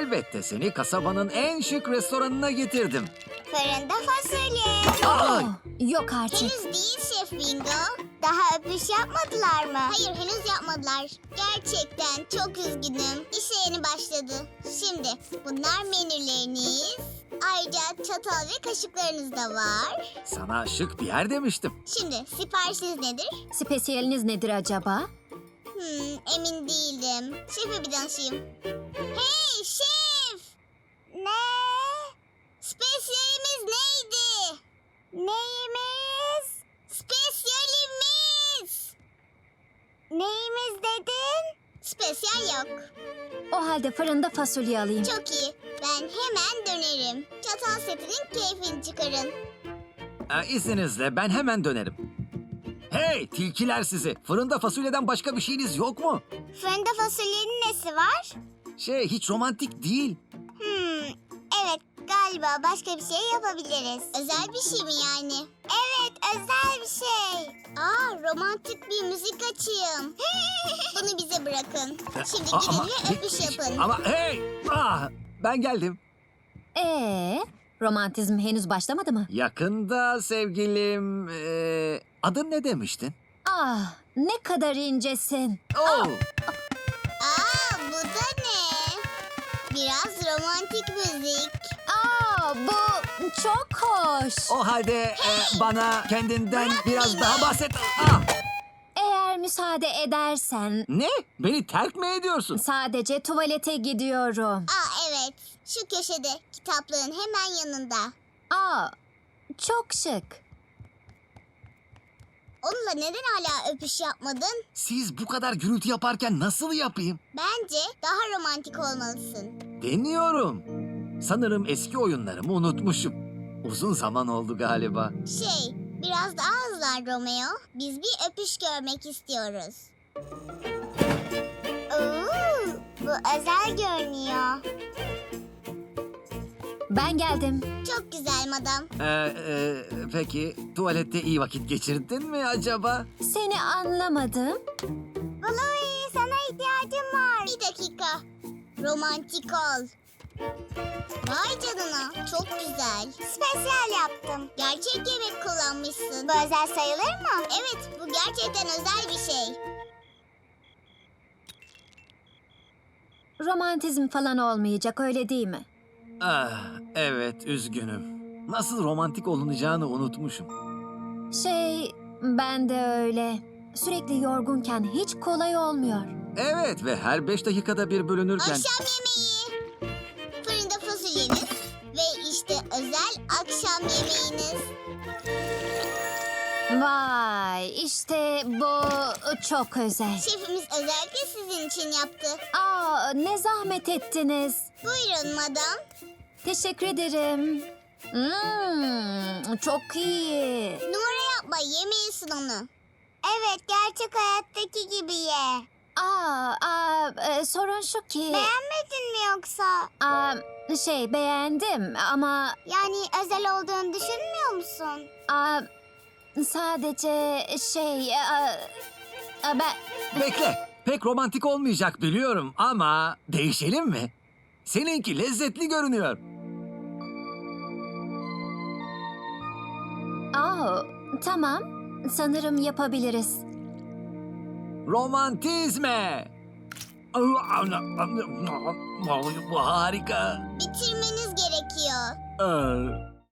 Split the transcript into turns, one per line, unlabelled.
Elbette seni kasabanın en şık restoranına getirdim.
Fırında fasulye.
Ay!
Yok artık.
Henüz değil Şef Bingo. Daha öpüş yapmadılar mı? Hayır, henüz yapmadılar. Gerçekten çok üzgünüm. İşe yeni başladı. Şimdi bunlar menüleriniz. Ayrıca çatal ve kaşıklarınız da var.
Sana şık bir yer demiştim.
Şimdi siparişiniz nedir?
Spesiyeliniz nedir acaba?
Emin değilim. Şefe bir danışayım. Hey şef! Ne? Spesiyelimiz neydi? Neyimiz? Spesiyelimiz! Neyimiz dedin? Spesiyel yok.
O halde fırında fasulye alayım.
Çok iyi. Ben hemen dönerim. Çatal setinin keyfini çıkarın.
İzninizle ben hemen dönerim. Hey tilkiler sizi! Fırında fasulyeden başka bir şeyiniz yok mu?
Fırında fasulyenin nesi var?
Hiç romantik değil.
Evet, galiba başka bir şey yapabiliriz. Özel bir şey mi yani? Evet, özel bir şey. Romantik bir müzik açayım. Bunu bize bırakın. Şimdi gidin ve öpüş yapın.
Ama hey! Ben geldim.
Romantizm henüz başlamadı mı?
Yakında sevgilim... adın ne demiştin?
Ah, ne kadar incesin.
Oh!
Bu da ne? Biraz romantik müzik.
Bu çok hoş.
O halde bana kendinden
Bırak
biraz
beni.
daha bahset.
Eğer müsaade edersen
Ne? Beni terk mi ediyorsun?
sadece tuvalete gidiyorum.
Evet, şu köşede kitaplığın hemen yanında.
Çok şık.
Onunla neden hala öpüş yapmadın?
Siz bu kadar gürültü yaparken nasıl yapayım?
Bence daha romantik olmalısın.
Deniyorum. Sanırım eski oyunlarımı unutmuşum. Uzun zaman oldu galiba.
Biraz daha hızlan Romeo. Biz bir öpüş görmek istiyoruz. Bu özel görünüyor.
Ben geldim.
Çok güzel madam.
Peki tuvalette iyi vakit geçirdin mi acaba?
Seni anlamadım.
Bluey, sana ihtiyacım var. Bir dakika. Romantik ol. Vay canına, çok güzel. Spesyal yaptım. Gerçek yemek kullanmışsın. Bu özel sayılır mı? Evet, bu gerçekten özel bir şey.
Romantizm falan olmayacak, öyle değil mi?
Evet üzgünüm. Nasıl romantik olunacağını unutmuşum.
Ben de öyle. Sürekli yorgunken hiç kolay olmuyor.
Evet ve her 5 dakikada bir bölünürken...
Akşam yemeği. Fırında fasulyeniz ve işte özel akşam yemeğiniz.
Vay, işte bu çok özel.
Şefimiz özellikle sizin için yaptı.
Ne zahmet ettiniz.
Buyurun madam.
Teşekkür ederim. Çok iyi.
Numara yapma, yemeyesin onu. Evet, gerçek hayattaki gibi ye.
Sorun şu ki...
Beğenmedin mi yoksa?
Beğendim ama
Yani özel olduğunu düşünmüyor musun?
sadece ben...
Bekle. Pek romantik olmayacak biliyorum ama değişelim mi? Seninki lezzetli görünüyor.
Tamam. Sanırım yapabiliriz.
Romantizme. Bu harika.
Bitirmeniz gerekiyor.